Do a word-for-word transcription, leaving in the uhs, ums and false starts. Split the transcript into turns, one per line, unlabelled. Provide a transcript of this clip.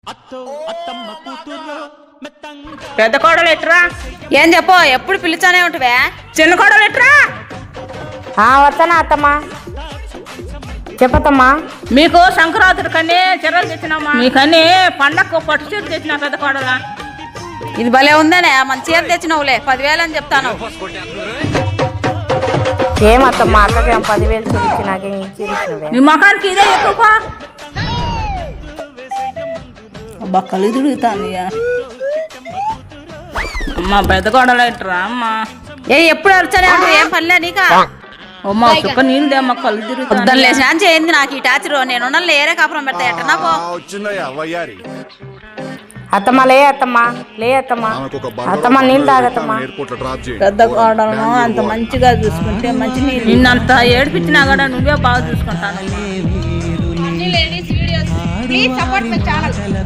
పెద్ద కోడలు ఎట్రా?
ఏం చెప్పో ఎప్పుడు పిలుచానే ఉంటవే.
చిన్న కోడలు ఎట్రా?
వస్తానా అత్తమ్మా, చెప్పతమ్మా.
మీకు సంక్రాంతి కన్నీ చీరలు తెచ్చినామా? మీకన్నీ పండగకు పట్టు చీర తెచ్చినా పెద్ద కోడలా.
ఇది భలే ఉందనే, మంచి చీర తెచ్చినవులే, పదివేలు అని చెప్తాను.
ఏమత్తమ్మా, అక్కకేం పదివేలు చూపించి నాకేం ఇచ్చి
నీ మొఖానికి ఇదే ఎక్కువ. అబ్బా కళ్ళు తిరుగుతాను. అమ్మా పెద్ద కోడలు ఎట్రా అమ్మా?
ఏ ఎప్పుడు అరిచానే ఉంటావు, ఏం పనిలే నీకా?
అమ్మా చుక్క నీళ్ళు అమ్మ కళ్ళు తిరుగుతాను.
పొద్దున్న లేచిన చేయింది నాకు ఈ టాచర్. నేను లేరే కాపురం పెడతా ఎట్టనా పో.
అత్తమ్మా లే అత్తమ్మా, లే అత్తమ్మా, అత్తమ్మా నీళ్ళు తాగత్తమ్మా.
పెద్ద కోడలను అంత మంచిగా చూసుకుంటే మంచి నీళ్ళు. నిన్నంత ఏడిపించినా కూడా నువ్వే బాగా చూసుకుంటాను.